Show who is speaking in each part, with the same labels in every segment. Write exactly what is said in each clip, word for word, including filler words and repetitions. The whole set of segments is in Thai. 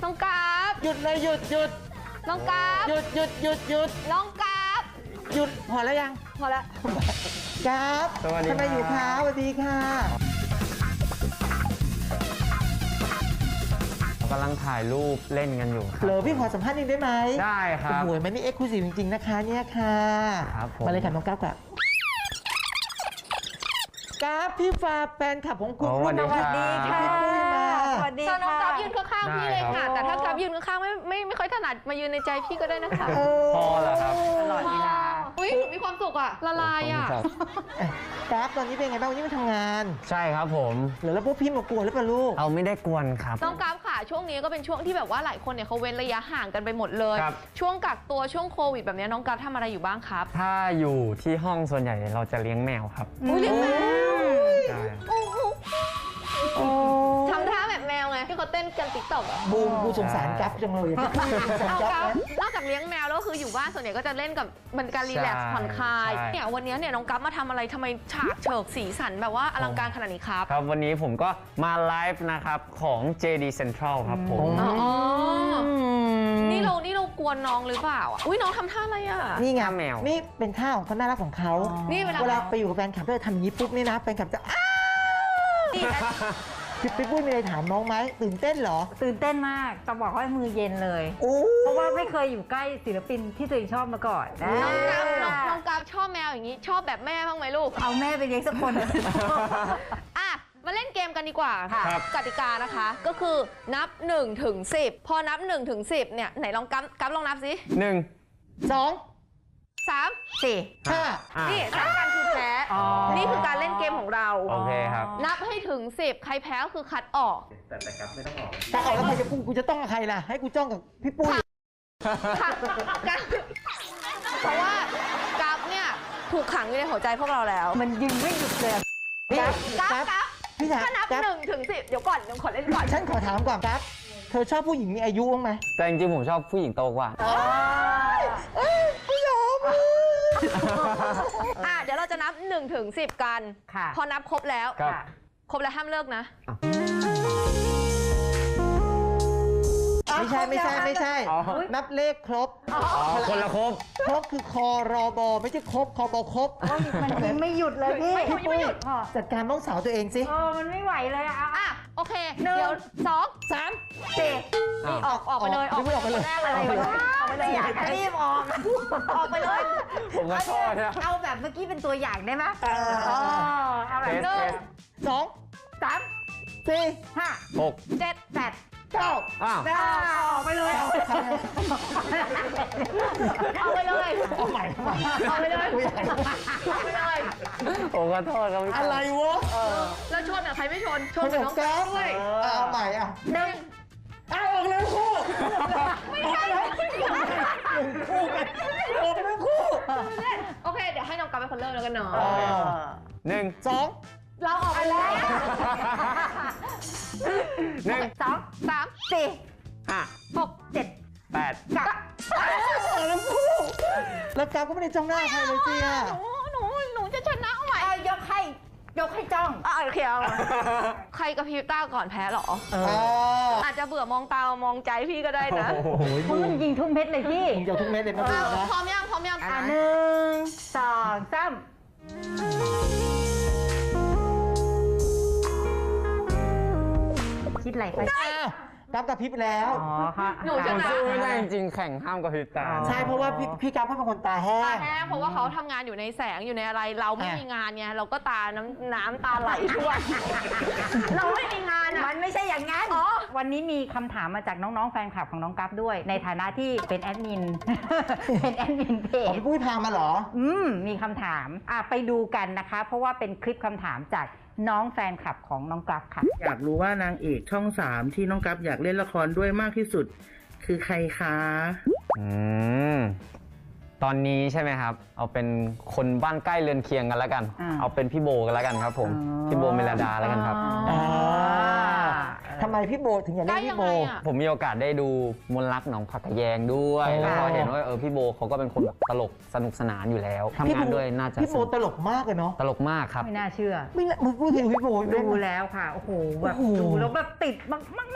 Speaker 1: น้องกราฟ
Speaker 2: หยุดเลยหยุดหยุด
Speaker 1: น้องกราฟ
Speaker 2: หยุดหยุดหยุดหยุด
Speaker 1: น้องกราฟ
Speaker 2: หยุดพอแล้วยัง
Speaker 1: พอแล้ว
Speaker 2: กราฟทำไมอยู่คะสวัสดีค่ะ
Speaker 3: กำลังถ่ายรูปเล่นกันอยู่
Speaker 2: เหรอพี่ขอสัมภาษณ์นิดได้ไหม
Speaker 3: ได้ครับ
Speaker 2: โอ้ยมันนี่เอ็กซ์คลูซีฟจริงๆนะคะเนี่ยค่ะ
Speaker 3: ครับผม
Speaker 2: มาเลยค่ะน้องกราฟค่ะกราฟพี่ฟ้าแฟนคลับของคุณ
Speaker 3: สวัสดีค่ะ
Speaker 2: พี่ปุ้ยมา
Speaker 1: สวัสดีค่ะน้องกราฟยืนข้างๆพี่เลยค่ะแต่ถ้ากราฟยืนข้างๆไม่ไม่ไม่ค่อยถนัดมายืนในใจพี่ก็ได้นะคะ
Speaker 3: พอแล้วครับ
Speaker 1: ตลอดเวลาอุ้ยมีความสุขอะละลายอะ
Speaker 2: กราฟตอนนี้เป็นไงบ้างวันนี้มาทำงาน
Speaker 3: ใช่ครับผม
Speaker 2: หรือแล้วพวกพี่มากวนหรือเปล่าลูก
Speaker 3: เอาไม่ได้กวนครับ
Speaker 1: น้องกราฟค่ะช่วงนี้ก็เป็นช่วงที่แบบว่าหลายคนเนี่ยเขาเว้นระยะห่างกันไปหมดเลยช่วงกักตัวช่วงโควิดแบบนี้น้องกราฟทำอะไรอยู่บ้างครับ
Speaker 3: ถ้าอยู่ที่ห้องส่วนใหญ่เราจะเลี้ยงแมวครับ
Speaker 1: เลี้ยงแมว
Speaker 3: ใช่
Speaker 1: ทำท่าแบบแมวไงที่เขาเต้นกันติ๊กต็อกอะ
Speaker 2: บูมกูสงสารกราฟจังเลย
Speaker 1: เอากราฟนอกจากเลี้ยงแมวแล้วคืออยู่บ้านส่วนใหญ่ก็จะเล่นกับมันการรีแลกซ์ผ่อนคลายเนี่ยวันนี้เนี่ยน้องกราฟมาทำอะไรทำไมฉากเฉิกสีสันแบบว่าอลังการขนาดนี้ครับ
Speaker 3: ครับวันนี้ผมก็มาไลฟ์นะครับของ เจ ดี Central ครับผม
Speaker 1: อ๋อนี่เรานี่เรากวนน้องหรือเปล่าอุ้ยน้องทำท่าอะไรอ่ะ
Speaker 2: นี่ไงแมวนี่เป็นท่าของเขาน่ารักของเขา
Speaker 1: นี่
Speaker 2: เวลาไปอยู่กับแฟนคลับก็จะทำอย่างนี้ปุ๊บนี่นะแฟนคลับจะอ้าวพี่พี่ปุ้ยมีอะไรถามน้องไหมตื่นเต้นเหรอ
Speaker 4: ตื่นเต้นมากจะบอกว่ามือเย็นเลยเพราะว่าไม่เคยอยู่ใกล้ศิลปินที่ตัวเองชอบมาก่อน
Speaker 1: น้องกราฟน้องกราฟชอบแมวอย่างนี้ชอบแบบแม่บ้างไหมลูก
Speaker 4: เอาแม่ไปเลี้ยงสักคน
Speaker 1: อ่ะมาเล่นเกมกันดีกว่าค่ะกติกานะคะก็คือนับหนึ่งถึงสิบพอนับหนึ่งถึงสิบเนี่ยไหนลองกราฟกราฟลองนับสิ
Speaker 3: หนึ่ง
Speaker 2: สอง
Speaker 1: สามสี่
Speaker 2: ห้า
Speaker 1: นี่สามกันคือแพ้นี่คือการเล่นเกมของเรา
Speaker 3: โอเคครับ
Speaker 1: นับให้ถึงสิบใครแพ้ก็คือคัดออก
Speaker 3: แต่แต่กราฟไม่ต้องออก
Speaker 2: แต่ออกแล้วใครจะพูดกูจะต้องกับใครล่ะให้กูจ้องกับพี่ปุ้ย
Speaker 1: เพราะว่ากราฟเนี่ยถูกขังอยู่ในหัวใจพวกเราแล้ว
Speaker 4: มันยิงไม่หยุดเลย
Speaker 1: กราฟกราฟกราฟถ้านับหนึ่งถึงสิบเดี๋ยวก่อนเดี๋ยวขอเล่นก่อน
Speaker 2: ฉันขอถามก่อนกราฟเธอชอบผู้หญิงมีอายุบ้างไหม
Speaker 3: แต่จริงๆผมชอบผู้หญิงโตกว่า
Speaker 2: ไม่ยอม
Speaker 1: อ่ะเดี๋ยวเราจะนับหนึ่งถึงสิบกันพอนับครบแล้วครบแล้วห้ามเลิกนะ
Speaker 2: ไม่ใช่ไม่ใช่ไม่ใช่นับเลขครบ
Speaker 3: คนละครบ
Speaker 2: ครบคือคอรอบอไม่ใช่ครบคอบอครบ
Speaker 4: มันยิงไม่หยุดเลยพี่
Speaker 1: พี่ปุ้ย
Speaker 2: จัดการน้องสาวตัวเองสิ
Speaker 4: เออมันไม่ไหวเลยอ่ะ
Speaker 1: อ่ะโอเคเดี๋ยวสอง
Speaker 2: สาม
Speaker 1: สี่นี่ออกออกไปเลยออก
Speaker 2: ไปเลย
Speaker 1: แรกเลยออกไปเลยอยากรีบออกออกไปเลย
Speaker 3: ผมก็ชอบเนี่ย
Speaker 4: เอาแบบเมื่อกี้เป็นตัวอย่างได้ไหมเออ
Speaker 1: เอาแบบหนึ่ง
Speaker 2: สอง
Speaker 1: สาม
Speaker 2: สี่
Speaker 4: ห้า
Speaker 3: หก
Speaker 1: เจ็ด
Speaker 4: แปด
Speaker 2: เก้า
Speaker 3: อ้าว
Speaker 4: ออกไปเลย
Speaker 1: ออกไปเลย
Speaker 2: เอาใหม่
Speaker 1: ออกไปเลยออกไปเลย
Speaker 3: ผมขอโทษครับ
Speaker 2: อะไรวะ
Speaker 1: แล้วชนอ่ะใครไม่ชนชนกับน้องกราฟเลย
Speaker 2: เอาใหม่อ่ะ
Speaker 1: หนึ่ง
Speaker 2: เอาออกเลยคู่
Speaker 1: ไม่ใช่
Speaker 2: คู่กันออกเลยคู่
Speaker 1: โอเคเดี๋ยวให้น้องกราฟเป็นคนเริ่มแล้วกันเนาะ
Speaker 3: หนึ่ง
Speaker 2: สอง
Speaker 1: เราออกไปแล้ว
Speaker 3: หนึ่ง
Speaker 1: สองสามสี่
Speaker 3: ห้า
Speaker 1: หกเจ็ด
Speaker 3: แปด
Speaker 1: เก้า
Speaker 2: แล้วคู่แล้วกราฟก็ไม่ได้จ้องหน้าใครเลยเจีย
Speaker 1: หนูหนูจะชนะเอาใหม่
Speaker 4: ยกให้ยกให้จ้อง
Speaker 1: อ่ะโอเคเอาใครกับพี่ต้าก่อนแพ้หรออาจจะเบื่อมองตามองใจพี่ก็ได้นะ
Speaker 4: เพราะมันยิงทุกเม็ดเลยพี่
Speaker 2: ยิงทุกเม็ดเลยนะพี่นะ
Speaker 1: พร้อมยังพร้อมยัง
Speaker 4: อ่ะหนึ่งสองสามคิดอะไรไป
Speaker 2: กราฟกระพริบแล้ว
Speaker 4: อ๋อค่ะ
Speaker 1: หนูชนะ
Speaker 3: ไม่ได้จริงแข่งห้ามกระพริบตา
Speaker 2: ใช่เพราะว่าพี่พี่กราฟเป็นคนตาแห้ง
Speaker 1: ตาแห้งเพราะว่าเขาทำงานอยู่ในแสงอยู่ในอะไรเราไม่มีงานไงเราก็ตาน้ำน้ำตาไหลทุกวันเราไม่มีงานอ่ะ
Speaker 4: มันไม่ใช่อย่างนั้นวันนี้มีคำถามมาจากน้องๆแฟนคลับของน้องกราฟด้วยในฐานะที่เป็นแอดมินเป็นแอดมินเพจ
Speaker 2: พี่ปุ้ยพามาเหรอ
Speaker 4: อืมมีคำถามอ่ะไปดูกันนะคะเพราะว่าเป็นคลิปคำถามจากน้องแฟนคลับของน้องกราฟค่ะ
Speaker 5: อยากรู้ว่านางเอกช่องสามที่น้องกราฟอยากเล่นละครด้วยมากที่สุดคือใครคะ
Speaker 3: อืมตอนนี้ใช่ไหมครับเอาเป็นคนบ้านใกล้เรือนเคียงกันแล้วกันเอาเป็นพี่โบกันแล้วกันครับผมพี่โบเมลดาแล้วกันครับ
Speaker 2: ทำไมพี่โบถึงอยากเล่นพี่โบ
Speaker 3: ผมมีโอกาสได้ดูมนรักหนองผักกะแยงด้วยแล้วก็เห็นว่าเออพี่โบเขาก็เป็นคนแบบตลกสนุกสนานอยู่แล้วทำงานด้วยน่าจะ
Speaker 2: พี่โบตลกมากเลยเนาะ
Speaker 3: ตลกมากครับ
Speaker 4: ไม่น่าเชื่อ
Speaker 2: ไม่มึงพูดถึงพี่โบ
Speaker 4: ดูแล้วค่ะโอ้โหแบบดูแล้วแบบติดมากมากมากมาก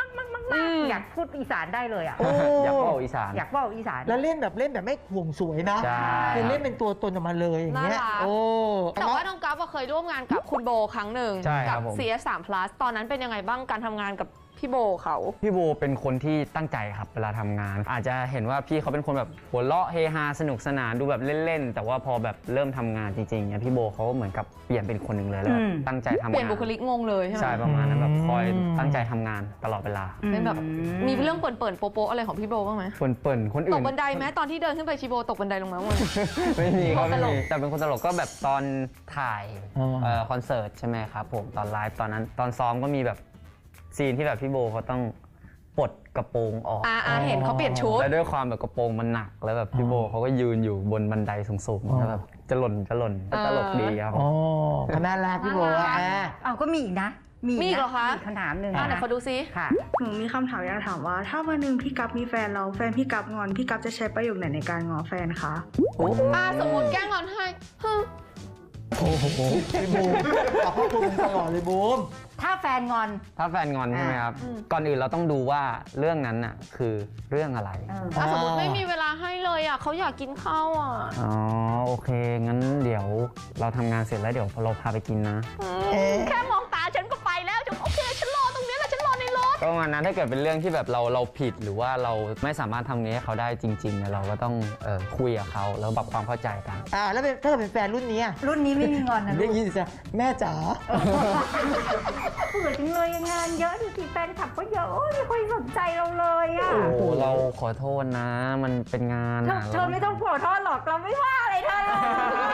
Speaker 4: มากๆอยากพูดอีสานได้เลยอ่ะ
Speaker 2: โอ้
Speaker 3: อยากบอกอีสาน
Speaker 4: อยากบอกอีสาน
Speaker 2: แล้วเล่นแบบเล่นแบบไม่ห่วงสวยนะ
Speaker 3: ใช่
Speaker 2: คือเล่นเป็นตัวตนออกมาเลยอย่างเงี้ย
Speaker 1: น่ารัก
Speaker 2: โอ้
Speaker 1: แต่ว่าน้องกัฟเคยร่วมงานกับคุณโบครั้งหนึ่ง
Speaker 3: ใช่ค
Speaker 1: กั
Speaker 3: รับผม
Speaker 1: ซี เอส สาม plus ตอนนั้นเป็นยังไงบ้างการทำงานกับพี่โบเขา
Speaker 3: พี่โบเป็นคนที่ตั้งใจครับเวลาทำงาน อาจจะเห็นว่าพี่เขาเป็นคนแบบหัวเราะเฮฮาสนุกสนานดูแบบเล่นๆแต่ว่าพอแบบเริ่มทำงานจริงๆเนี่ยพี่โบเขาเหมือนกับเปลี่ยนเป็นคนหนึ่งเลยแล้ว
Speaker 4: อืม
Speaker 3: ตั้งใจทำงาน
Speaker 1: เปลี่ยนบุคลิกงงเลยใช่ไหม
Speaker 3: ใช่ประมาณนั้นแบบคอยตั้งใจทำงานตลอดเวลา
Speaker 1: เป็นแบบมีเรื่องเปิ่นๆโป๊ะๆอะไรของพี่โบบ้างไหม
Speaker 3: เปิ่นๆคน
Speaker 1: ต
Speaker 3: อื่
Speaker 1: ก
Speaker 3: น
Speaker 1: บันไดไหมตอนที่เดินขึ้นไปชีโบตกบันไดลงมาเมื่อ
Speaker 3: ไม่มีครับ
Speaker 1: ต
Speaker 3: ไม่
Speaker 1: ลก
Speaker 3: มีแต่เป็นคนตลกก็แบบตอนถ่าย
Speaker 2: อ๋อ
Speaker 3: เอ่อคอนเสิร์ตใช่ไหมครับผมตอนไลฟ์ตอนนั้นตอนซ้อมก็มีแบบซีนที่แบบพี่โบเขาต้องปลดกระโปรงออก
Speaker 1: อ่าอ่าเห็นเขาเปลี่ยนชุด
Speaker 3: แล้วด้วยความแบบกระโปรงมันหนักแล้วแบบพี่โบเขาก็ยืนอยู่บนบันไดสูงๆแล้วแบบจะหล่นจะหล่นก็ตลกดีครับ
Speaker 2: อ๋อก็น่ารักพี่โบ
Speaker 1: น่ารัก
Speaker 2: อ่ะ
Speaker 4: เอาก็มีอีกนะ มี
Speaker 1: มีอีกเหรอคะ
Speaker 4: มีคำถามหนึ่ง
Speaker 1: อ่าไหน
Speaker 4: นะ
Speaker 1: ขอดูซิ
Speaker 4: ค่ะ
Speaker 6: หนูมีคำถามอยากถามว่า ถ้าวันหนึ่งพี่กัฟมีแฟนเราแฟนพี่กัฟงอนพี่กัฟจะใช้ประโยคไหนในการง้อแฟนคะ
Speaker 1: อ่าสมมติแกล้งงอนให้ฮึ่ม
Speaker 2: โอ้โหพี่บูมเอาพ่อคุณตลอดเลยบูม
Speaker 4: ถ้าแฟนงอน
Speaker 3: ถ้าแฟนงอนใช่ไหมครับก่อนอื่นเราต้องดูว่าเรื่องนั้นน่ะคือเรื่องอะไร
Speaker 4: เออ
Speaker 1: อ่ะสมมติไม่มีเวลาให้เลยอ่ะเขาอยากกินข้าวอ่ะ
Speaker 3: อ๋อโอเคงั้นเดี๋ยวเราทำงานเสร็จแล้วเดี๋ยวเราพาไปกินนะ
Speaker 2: เอ๊ะ
Speaker 1: แค่มองตาฉันก็ไปแล้วฉันโอเคฉันรอตรงนี้แหละฉันรอในรถ
Speaker 3: ก็ประมาณนั้นถ้าเกิดเป็นเรื่องที่แบบเราเราผิดหรือว่าเราไม่สามารถทำนี้ให้เขาได้จริงๆเนี่ยเราก็ต้องเอ่อคุยกับเขาแล้วปรับความเข้าใจกัน
Speaker 2: อ่าแล้วเป็นถ้าเกิดเป็นแฟนรุ่นนี้อ่ะ
Speaker 4: รุ่นนี้ไม่มีงอนนะ
Speaker 2: เรี
Speaker 4: ลู
Speaker 2: ยก
Speaker 4: ก
Speaker 2: ยี่สิจ้ะแม่จ๋า
Speaker 4: เบื่อจังเลยงานเยอะดูสิแฟนคลับก็เยอะโอ้ยไม่ค่อยสนใจเราเลยอ่ะ
Speaker 3: โอ้โหเราขอโทษนะ มันเป็นงาน
Speaker 4: เธอ
Speaker 3: อะ
Speaker 4: เธอไม่ต้องขอโทษหรอกเราไม่ว่าอะไรเธอเลย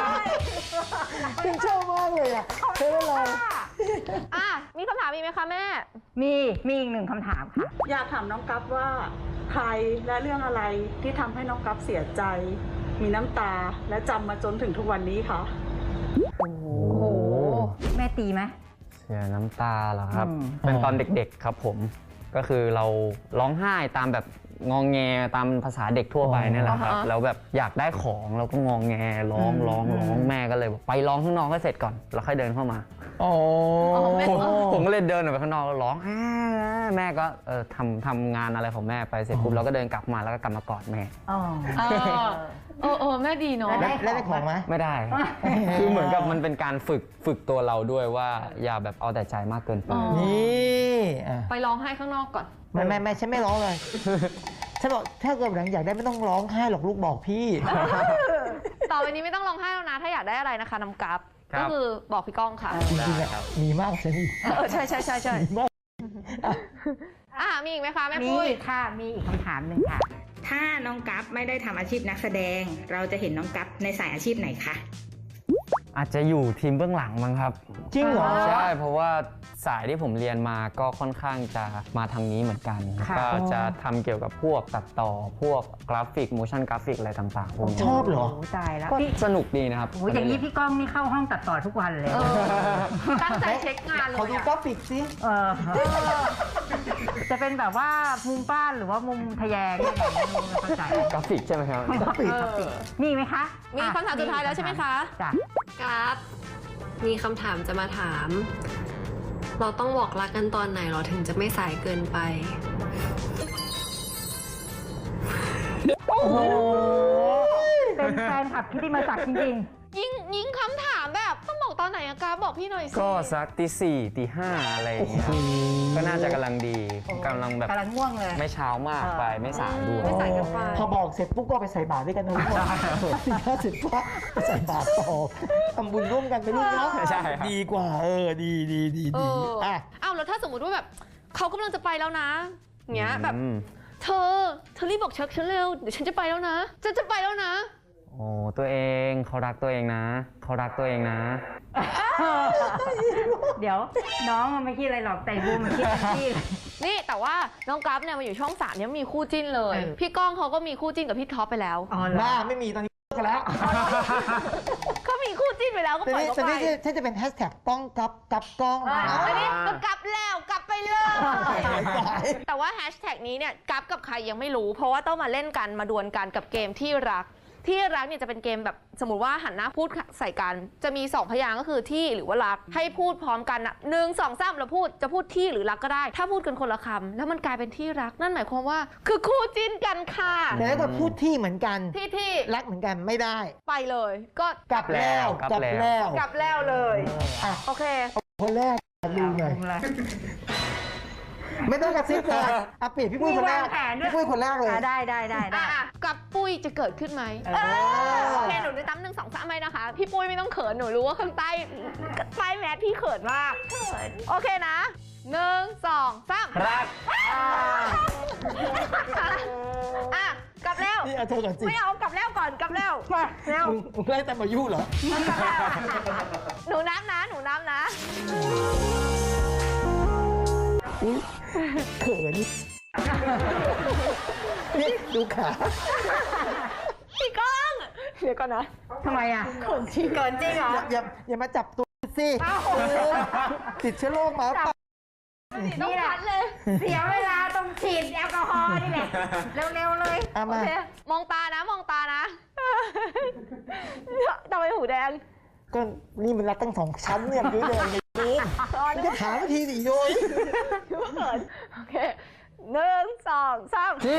Speaker 2: ฉันชอบมากเลยอ่ะเธออะไร
Speaker 1: อ่ะมีคำถามอีกไหมคะแม่
Speaker 4: มีมีอีกหนึ่งคำถามค่ะ
Speaker 6: อยากถามน้องกัฟว่าใครและเรื่องอะไรที่ทำให้น้องกัฟเสียใจ มีน้ำตาและจำมาจนถึงทุกวันนี้คะ
Speaker 4: โอ้โหแม่ตีไหม
Speaker 3: เสียน้ำตาเหรอครับ
Speaker 4: อืม
Speaker 3: เป็นตอนเด็กๆครับผมก็คือเราร้องไห้ตามแบบงองแงตามภาษาเด็กทั่วไปนี่แหละครับ
Speaker 1: อ๋อฮะ
Speaker 3: แล้วแบบอยากได้ของเราก็งองแงร้องร้องร้องแม่ก็เลยบอกไปร้องข้างนอกให้เสร็จก่อนแล้วค่อยเดินเข้ามา
Speaker 2: โอ้
Speaker 3: ผมผมก็เลยเดินออกไปข้างนอกแล้วร้องอ่าแม่ก็เออทำทำงานอะไรของแม่ไปเสร็จปุ๊บเราก็เดินกลับมาแล้วก็กลับมากอดแม่
Speaker 4: อ๋อ
Speaker 1: เออเออเออแม่ดีเนาะ
Speaker 4: แล้วได้
Speaker 2: แล้วได้ของไหม
Speaker 3: ไม่ได้ คือเหมือนกับมันเป็นการฝึกฝึกตัวเราด้วยว่าอย่าแบบเอาแต่ใจมากเกินไป
Speaker 1: อ๋อ
Speaker 2: นี่อ่ะ
Speaker 1: ไปร้องไห้ข้างนอกก่อน
Speaker 2: ไม่ไม่ไม่ฉันไม่ร้องเลยฉันบอกถ้าเกิดหลังอยากได้ไม่ต้องร้องไห้หรอกลูกบอกพี่
Speaker 1: ต่อไปนี้ไม่ต้องร้องไห้แล้วนะ ถ้าอยากได้อะไรนะคะน้ำกัฟ
Speaker 3: ครั
Speaker 1: ก็
Speaker 3: บ
Speaker 1: คือบอกพี่ก้องค่ะ
Speaker 2: จริงๆอะมีมากกว่าฉันอีก
Speaker 1: เออใช่ใช่ใช่ใช่
Speaker 2: มีมาก
Speaker 1: อ่ะมีอีกไหมคะแม่
Speaker 4: มี
Speaker 1: ปุ้ย
Speaker 4: อีกค่ะ มีอีกคำถามหนึ่งค่ะ
Speaker 7: ถ้าน้องกัฟไม่ได้ทำอาชีพนักแสดง เราจะเห็นน้องกัฟในสายอาชีพไหนคะ
Speaker 3: อาจจะอยู่ทีมเบื้องหลังมั้งครับ
Speaker 2: จริงเหรอ
Speaker 3: ใช่เพราะว่าสายที่ผมเรียนมาก็ค่อนข้างจะมาทางนี้เหมือนกัน
Speaker 4: ค่ะ
Speaker 3: ก็จะทำเกี่ยวกับพวกตัดต่อพวกกราฟิก motion กราฟิกอะไรต่างๆพวกนี้
Speaker 2: ชอบเหรอ
Speaker 4: โอ้ตายแล้ว
Speaker 3: ก็
Speaker 4: พี่
Speaker 3: สนุกดีนะครับ
Speaker 4: โอ้ยอย่างนี้พี่ก้องนี่เข้าห้องตัดต่อทุกวันเลย
Speaker 1: เออตั้งใจเช็คงานเล
Speaker 2: ขอย ดู
Speaker 1: อะ
Speaker 2: กราฟิกสิ
Speaker 4: เออ จะเป็นแบบว่ามุมบ้านหรือว่ามุมทะแยงยังไงไม่รู้ไม่เข้าใจ
Speaker 3: กราฟิกใช่ไหมครับ
Speaker 2: กราฟิก
Speaker 4: มีไหมคะ
Speaker 1: มีคำถามสุดท้ายแล้วใช่ไหมคะ
Speaker 4: จ้ะ
Speaker 8: ครับมีคำถามจะมาถาม เราต้องบอกรักกันตอนไหนเราถึงจะไม่สายเกินไป
Speaker 4: โอ้โห เป็นแฟนคลับที่มาจากจริง
Speaker 1: ยิงยิงคำถามแบบต้องบอกตอนไหนอะกราฟบอกพี่หน่อยสิ
Speaker 3: ก็สักตีสี่ตีห้าอะไรอย่างเงี้ยครับก็น่าจะกำลังดี
Speaker 4: ๆ
Speaker 3: กำลังแบบ
Speaker 4: กำลังง่วงเลย
Speaker 3: ไม่เช้ามากไปไม่สายด้วย
Speaker 1: ไม่สายเกินไป
Speaker 2: พอบอกเสร็จปุ๊บก็ไปใส่บาตรด้วยกันนะลูกสี่ห้าสิบปั๊บไปใส่บาตรต่อทำบุญร่วมกันไปลูกเนาะ
Speaker 3: ใช่ครับ
Speaker 2: ดีกว่า เออ ดีดีดี
Speaker 1: เอ
Speaker 2: ดี
Speaker 1: อ
Speaker 2: อ่ะ
Speaker 1: อ้าวแล้วถ้าสมมติว่าแบบเขากำลังจะไปแล้วนะเงี้ยแบบ
Speaker 3: อืม
Speaker 1: เธอเธอรีบบอกเช็คฉันเร็วเดี๋ยวฉันจะไปแล้วนะฉันจะไปแล้วนะ
Speaker 3: โอ้ตัวเองเขารักตัวเองนะเขารักตัวเองนะ
Speaker 4: เดี๋ยวน้องมันไม่คิดอะไรหรอกแต่บูมมันคิดที่
Speaker 1: นี่แต่ว่าน้องกราฟเนี่ยมาอยู่ช่องสามเนี่ยมีคู่จิ้นเลย
Speaker 4: เออ
Speaker 1: พี่ก้องเขาก็มีคู่จิ้นกับพี่ท็อปไปแล้ว
Speaker 4: อ๋อเหรอ
Speaker 2: หน้าไม่มีตอนนี้เลิกกันแล้ว
Speaker 1: เขามีคู่จิ้นไปแล้วก็
Speaker 2: แต่
Speaker 1: ปล่อย
Speaker 2: นี่
Speaker 1: เขา
Speaker 2: แต่
Speaker 1: ไป
Speaker 2: นี่ฉันจะเป็นแฮชแท็กกล้องกับกับกล้อง
Speaker 1: อ่าอันนี้ก็กลับแล้วกลับไปเลย
Speaker 2: สาย
Speaker 1: แต่ว่าแฮชแท็กนี้เนี่ยกราฟกับใครยังไม่รู้ เพราะว่าต้องมาเล่นกันมาดวลกันกับเกมที่รักที่รักเนี่ยจะเป็นเกมแบบสมมติว่าหันหน้าพูดใส่กันจะมีสองพยางค์ก็คือที่หรือว่ารักให้พูดพร้อมกันนะหนึ่งสองสามเราพูดจะพูดที่หรือรักก็ได้ ถ้าพูดกันคนละคำแล้วมันกลายเป็นที่รักนั่นหมายความว่าคือคู่จิ้นกันค่ะ
Speaker 2: แต่ถ้าเกิดพูดที่เหมือนกัน
Speaker 1: ที่ที่
Speaker 2: รักเหมือนกันไม่ได้
Speaker 1: ไปเลยก็
Speaker 2: กลับแล้ว
Speaker 3: กลับแล้ว
Speaker 1: กลับแล้วเลย
Speaker 2: อ่ะ
Speaker 1: โอเค
Speaker 2: คนแรกดูหน่อยไม่ต้องกระซิบเลยอ่ะเปลี่ยนพี่ปุ้ยคนแรก
Speaker 4: มีวางแผนด้วย
Speaker 2: พี่ปุ้ยคนแรกเลย
Speaker 4: อ่ะได้ได้ได้ได้
Speaker 1: อ่ะกับปุ้ยจะเกิดขึ้นไหม
Speaker 4: เออ
Speaker 1: โอเคหนูจะตั้มหนึ่งสองสามไหมนะคะ พี่ปุ้ยไม่ต้องเขินหนูรู้ว่าข้างใต้ใต้แมสพี่เขินมากโอเคนะหนึ่งสองสาม
Speaker 3: รัก
Speaker 1: อ่ะกลับแล้ว
Speaker 2: นี่เอาเธอก่อนสิ
Speaker 1: ไม่เอากลับแล้วก่อนกลับแล้วมาเร็ว
Speaker 2: มึงมึงไล่ตามมายุเหรอ
Speaker 1: กลับแล้วหนูนับนะหนูนับนะ
Speaker 2: อุ้ยเขินนี่ดูขา
Speaker 1: พี่ก้องเดี๋ยวก่อนนะ
Speaker 4: ทำไมอ่ะ
Speaker 1: เขินจริงเขินจริงเหรอ
Speaker 2: อย่าอย่าอย่ามาจับตัวสิติดเชื้อโรคมาเปล่า
Speaker 1: ต้องพัดเลย
Speaker 4: เสียเวลาต้องฉีดแอลกอฮอล์นี่แหละ เร็วๆเลย
Speaker 2: เอา
Speaker 1: โอ
Speaker 2: มา
Speaker 1: เคมองตานะมองตานะทำไมหูแดง
Speaker 2: ก็นี่มันรัดตั้งสองชั้นเนี่ยยุ้ยแดงเลยยุ้ยมันจะถามทีสิยุ้ย
Speaker 1: เขินโอเคหนึ่งสองสาม
Speaker 3: ที่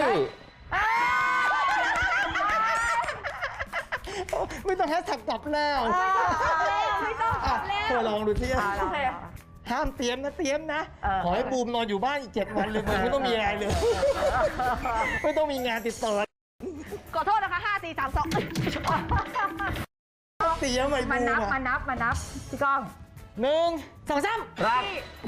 Speaker 2: ไม่ต้องแฮชแท็กกลับแล้ว
Speaker 1: ไม่ต้อง
Speaker 2: อ่ะเธอลองดูสิ
Speaker 1: โอเค
Speaker 2: ห้ามเตรียมนะเตรียมนะ
Speaker 4: เออ
Speaker 2: ขอให้บูมนอนอยู่บ้านอีกเจ็ดวันเลยมึงไม่ต้องมีอะไรเลย ไม่ต้องมีงานติดต่อ
Speaker 1: ขอโทษนะคะห้าสี่สามสอง
Speaker 2: เตรียมไอ้
Speaker 4: มา
Speaker 2: บู
Speaker 4: นับ
Speaker 2: ม
Speaker 4: มา
Speaker 2: อะ
Speaker 4: นับมานับพี่ก้อง
Speaker 2: หนึ่งสองสาม
Speaker 3: รัก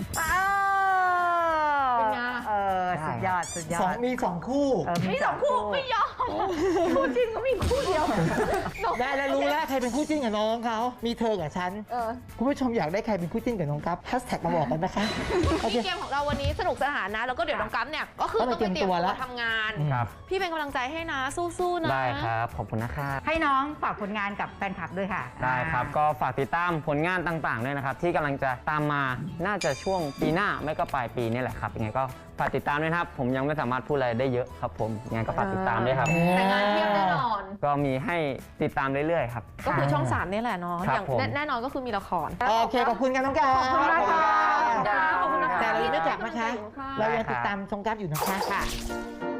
Speaker 1: เป็นไง
Speaker 4: เออสุดยอดสุดยอ
Speaker 2: สอง
Speaker 4: ด
Speaker 2: มีสองคู่
Speaker 4: เออ
Speaker 1: มีสองคู่ไม่ยอมคู่จริงก็มีคู่เดียว
Speaker 2: ได้แล้วรู้แล้วใครเป็นคู่จิ้นกับน้องเขามีเธอกับฉัน
Speaker 1: เออ
Speaker 2: คุณผู้ชมอยากได้ใครเป็นคู่จิ้นกับน้องกัฟแฮชแท็กมาบอกกันนะคะโอเค
Speaker 1: ที่เกมของเราวันนี้สนุกสนานนะ แล้วก็เดี๋ยวน้องกั๊มเนี่ยก็คือ
Speaker 2: ต้
Speaker 1: ต้
Speaker 2: อ
Speaker 1: อง ง
Speaker 2: ไป
Speaker 1: ไป
Speaker 2: เต
Speaker 1: เต
Speaker 2: รี
Speaker 1: รี
Speaker 2: ย
Speaker 1: ย
Speaker 2: ม
Speaker 1: ม
Speaker 2: ตั
Speaker 1: ตัว ว
Speaker 2: แล้ว
Speaker 1: ทำงาน
Speaker 3: ครับ
Speaker 1: พี่เป็นกำลังใจให้นะ สู้ๆนะ
Speaker 3: ได้ครับ ขอบคุณนะครับ
Speaker 4: ให้น้องฝากผลงานกับแฟนคลับด้วยค่ะ
Speaker 3: ได้ครับ ก็ฝากติดตามผลงานต่างๆด้วยนะครับ ที่กำลังจะตามมาน่าจะช่วงปีหน้าไม่ก็ปลายปีนี่แหละครับยังไงก็ฝากติดตามด้วยนะครับ ผมยังไม่สามารถพูดอะไรได้เยอะครับผมยังไงก็ฝากติดตามด้วยครับ
Speaker 1: แต่งานเพียบแน่นอน
Speaker 3: ก็มีให้ติดตามเรื่อยๆครับ
Speaker 1: ก็คือช่องสามนี่แหละเนาะ
Speaker 3: ครับ
Speaker 1: อย่าง
Speaker 3: ผม
Speaker 1: แน่แน่นอนก็คือมีละคร
Speaker 2: โอเคขอบคุณกันน้องกัฟ
Speaker 1: ขอบคุณมากค่ะ
Speaker 2: แต่เรายังไม่กลับนะคะ
Speaker 1: ค่ะ
Speaker 2: เรายังติดตามชมกัฟอยู่นะคะ
Speaker 1: ค่ะ